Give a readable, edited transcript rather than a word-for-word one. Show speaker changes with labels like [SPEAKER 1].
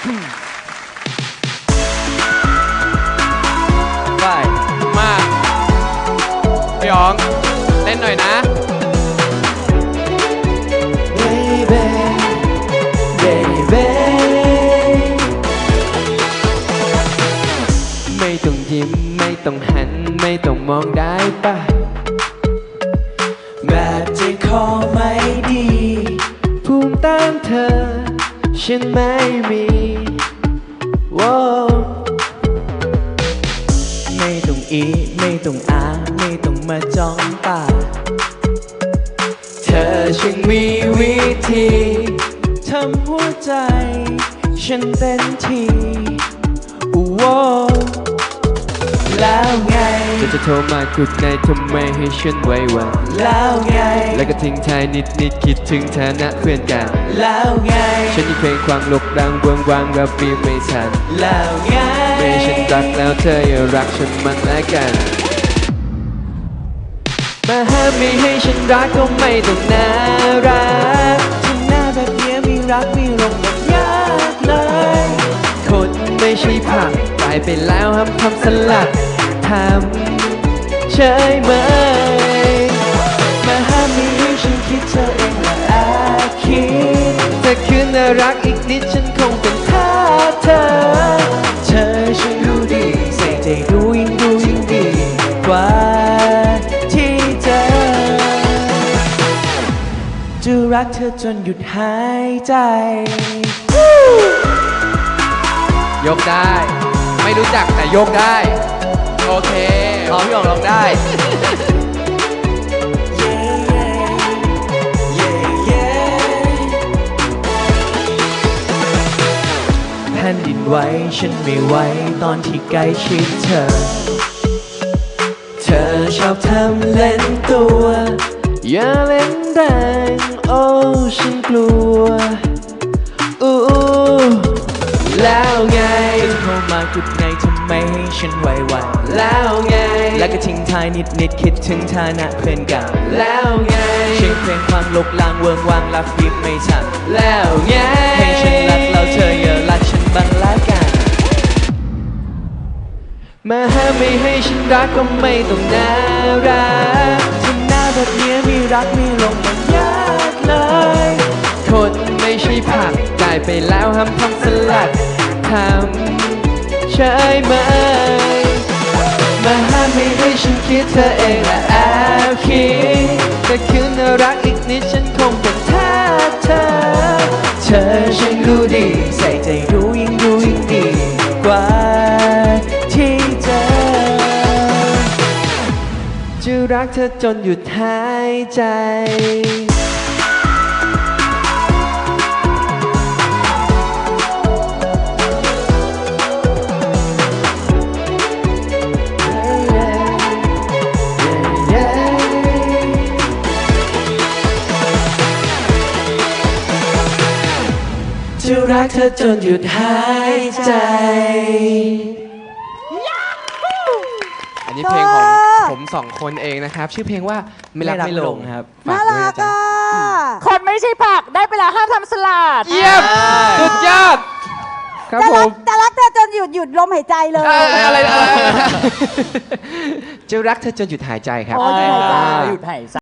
[SPEAKER 1] ไปมาพี่อ๋องเล่นหน่อยนะ
[SPEAKER 2] Baby Baby
[SPEAKER 1] ไม่ต้องยิ้มไม่ต้องหันไม่ต้องมองได้ปะ
[SPEAKER 2] แบบใจคอไม่ดี
[SPEAKER 1] ภูมิต้านเธอฉันไม่มีโว้
[SPEAKER 2] ไม่ต้องอีไม่ต้องอาไม่ต้องมาจ้องตา
[SPEAKER 1] เธอช่างมีวิธี
[SPEAKER 2] ทำหัวใจฉันเต้นทีโอ้โหแล้วไง
[SPEAKER 1] จะโทรมากุดในทำไมให้ฉันไว้วัน
[SPEAKER 2] แล้วไง
[SPEAKER 1] แล้วก็ทิ้งท้ายนิดคิดถึงฐานะเพื่อนกัน
[SPEAKER 2] แล้วไง
[SPEAKER 1] ฉันยังเพลงความลบดังเบื้องวางรับปีไม่ทัน
[SPEAKER 2] แล้วไง
[SPEAKER 1] ไม่ฉันรักแล้วเธออย่ารักฉันมันแล้วกันมาห้ามไม่ให้ฉันรักก็ไม่ต้องน่ารัก
[SPEAKER 2] ทำหน้าแบบเนี้ยมีรักมีลงแบบยากเลย
[SPEAKER 1] คนไม่ใช่ผักกลายไปแล้วห้ามทำสลัดทำเฉยเมย
[SPEAKER 2] มาห้ามไม่ให้ฉันคิดเธอเองและแอบคิด
[SPEAKER 1] ถ้าคืนน่ารักอีกนิดฉันคงเป็นทาสเธอ
[SPEAKER 2] เธอฉันรู้ดีใส่ใจดูยิ่งดีกว่าที่เจอจะรักเธอจนหยุดหายใจ
[SPEAKER 1] ยกได้ ไม่รู้จักแต่ยกได้ โอเคพร้อมพี่อ๋องร้องได้
[SPEAKER 2] แผ่นดินไหวฉันไม่ไหวตอนที่ใกล้ชิดเธอ เธอชอบทำเล่นตัว
[SPEAKER 1] อย่าเล่นแรงโอ้ฉันกลัวอู้
[SPEAKER 2] แล้วไงโทรมากุดไงทำไมให้ฉันไหววัน
[SPEAKER 1] แล้วไง
[SPEAKER 2] แล้วก็ทิ้งท้ายนิดคิดถึงฐานะเพื่อนเก่า
[SPEAKER 1] แล้วไง
[SPEAKER 2] เชียงเพลงความลบลางเวิงวางรับบีบไม่ทัน
[SPEAKER 1] แล้วไง
[SPEAKER 2] ให้ฉันรักแล้วเธออย่ารักฉันบ้างละกัน
[SPEAKER 1] มาห้ามไม่ให้ฉันรักก็ไม่ต้องน่ารัก
[SPEAKER 2] ทำหน้าแบบเนี้ยมีรักมีลงมันยากเลย
[SPEAKER 1] คนไม่ใช่ผักกลายไปแล้วห้ามทำสลัดทำเฉยเมย
[SPEAKER 2] มาห้ามไม่ให้ฉันคิดเธอเองและแอบคิด
[SPEAKER 1] ถ้าคืนน่ารักอีกนิดฉันคงเป็นทาสเธอ
[SPEAKER 2] เธอฉันรู้ดีใส่ใจดูยิ่งดีกว่าที่เจอ
[SPEAKER 1] จะรักเธอจนหยุดหายใจ
[SPEAKER 2] จะรักเธอจนหยุดหายใจ
[SPEAKER 1] อันนี้เพลงของผมสองคนเองนะครับ ชื่อเพลงว่าไม่รักไม่ลงครับฝาก
[SPEAKER 3] น่า
[SPEAKER 1] ด้วย
[SPEAKER 3] รั
[SPEAKER 1] นะ
[SPEAKER 3] ก
[SPEAKER 1] จ๊ะ
[SPEAKER 3] อ่ะ
[SPEAKER 4] คนไม่ใช่ผักได้ไปแล้วห้ามทำสลัด
[SPEAKER 1] เยี่ยมสุดยอดครับผม
[SPEAKER 3] จะรักเธอจนหยุดลมหายใจเลย
[SPEAKER 1] อะไรจะรักเธอจนหยุดหายใจครับ
[SPEAKER 3] อ๋อหยุดหายใจ
[SPEAKER 4] หยุดหายใจ